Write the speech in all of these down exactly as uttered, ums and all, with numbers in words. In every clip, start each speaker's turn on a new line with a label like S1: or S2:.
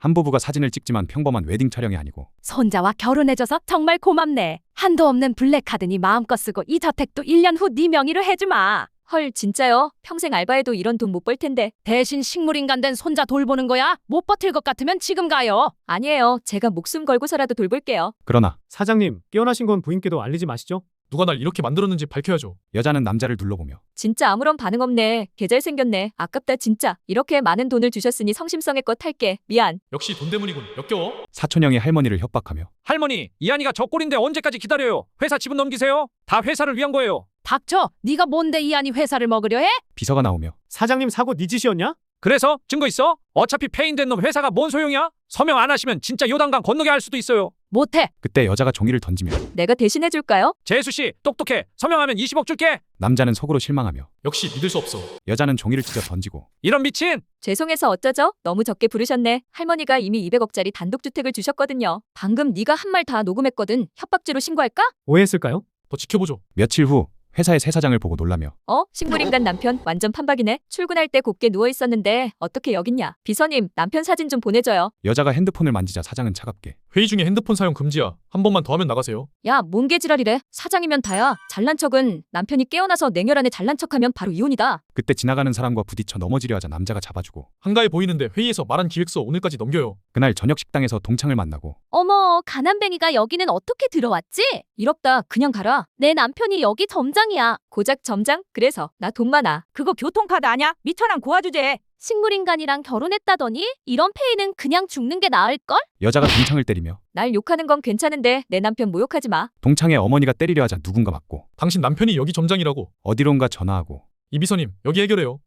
S1: 한 부부가 사진을 찍지만 평범한 웨딩 촬영이 아니고
S2: 손자와 결혼해줘서 정말 고맙네. 한도 없는 블랙카드니 마음껏 쓰고 이 저택도 일 년 후 네 명의로 해주마.
S3: 헐, 진짜요? 평생 알바해도 이런 돈 못 벌 텐데.
S2: 대신 식물인간 된 손자 돌보는 거야? 못 버틸 것 같으면 지금 가요.
S3: 아니에요. 제가 목숨 걸고서라도 돌볼게요.
S1: 그러나
S4: 사장님, 깨어나신 건 부인께도 알리지 마시죠.
S5: 누가 날 이렇게 만들었는지 밝혀야죠.
S1: 여자는 남자를 둘러보며
S3: 진짜 아무런 반응 없네. 개잘 생겼네. 아깝다 진짜. 이렇게 많은 돈을 주셨으니 성심성의껏 할게. 미안.
S5: 역시 돈 때문이군. 역겨워.
S1: 사촌형이 할머니를 협박하며
S6: 할머니, 이한이가 저 꼴인데 언제까지 기다려요? 회사 지분 넘기세요. 다 회사를 위한 거예요.
S2: 닥쳐. 네가 뭔데 이한이 회사를 먹으려 해?
S1: 비서가 나오며
S4: 사장님 사고 네 짓이었냐?
S6: 그래서 증거 있어? 어차피 폐인된 놈 회사가 뭔 소용이야? 서명 안 하시면 진짜 요단강 건너게 할 수도 있어요.
S2: 못해.
S1: 그때 여자가 종이를 던지며
S3: 내가 대신해줄까요?
S6: 재수씨, 똑똑해. 서명하면 이십억 줄게.
S1: 남자는 속으로 실망하며
S5: 역시 믿을 수 없어.
S1: 여자는 종이를 찢어 던지고
S6: 이런 미친.
S3: 죄송해서 어쩌죠? 너무 적게 부르셨네. 할머니가 이미 이백억짜리 단독주택을 주셨거든요. 방금 네가 한 말 다 녹음했거든. 협박죄로 신고할까?
S4: 오해했을까요?
S5: 더 지켜보죠.
S1: 며칠 후 회사의 새 사장을 보고 놀라며
S3: 어? 식물인간 남편 완전 판박이네. 출근할 때 곱게 누워있었는데 어떻게 여깄냐. 비서님, 남편 사진 좀 보내줘요.
S1: 여자가 핸드폰을 만지자 사장은 차갑게
S5: 회의 중에 핸드폰 사용 금지야. 한 번만 더 하면 나가세요.
S3: 야, 뭔 개지랄이래. 사장이면 다야. 잘난 척은 남편이 깨어나서 냉혈한에 잘난 척하면 바로 이혼이다.
S1: 그때 지나가는 사람과 부딪혀 넘어지려 하자 남자가 잡아주고
S5: 한가해 보이는데 회의에서 말한 기획서 오늘까지 넘겨요.
S1: 그날 저녁 식당에서 동창을 만나고
S2: 어머, 가난뱅이가 여기는 어떻게 들어왔지?
S3: 이롭다. 그냥 가라.
S2: 내 남편이 여기 점장이야.
S3: 고작 점장? 그래서 나 돈 많아.
S7: 그거 교통카드 아냐? 미천한 고아 주제.
S2: 식물인간이랑 결혼했다더니 이런 페이는 그냥 죽는 게 나을걸?
S1: 여자가 동창을 때리며
S3: 날 욕하는 건 괜찮은데 내 남편 모욕하지 마.
S1: 동창의 어머니가 때리려 하자 누군가 맞고
S5: 당신 남편이 여기 점장이라고.
S1: 어디론가 전화하고
S5: 이 비서님, 여기 해결해요.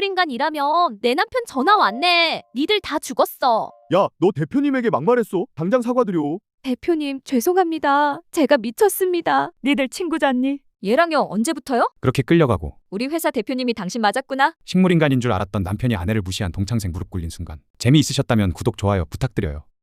S2: 식물인간이라면 내 남편 전화 왔네. 니들 다 죽었어.
S8: 야, 너 대표님에게 막말했어. 당장 사과드려.
S2: 대표님, 죄송합니다. 제가 미쳤습니다.
S7: 니들 친구잖니?
S3: 얘랑요, 언제부터요?
S1: 그렇게 끌려가고
S3: 우리 회사 대표님이 당신 맞았구나?
S1: 식물인간인 줄 알았던 남편이 아내를 무시한 동창생 무릎 꿇린 순간 재미있으셨다면 구독 좋아요 부탁드려요.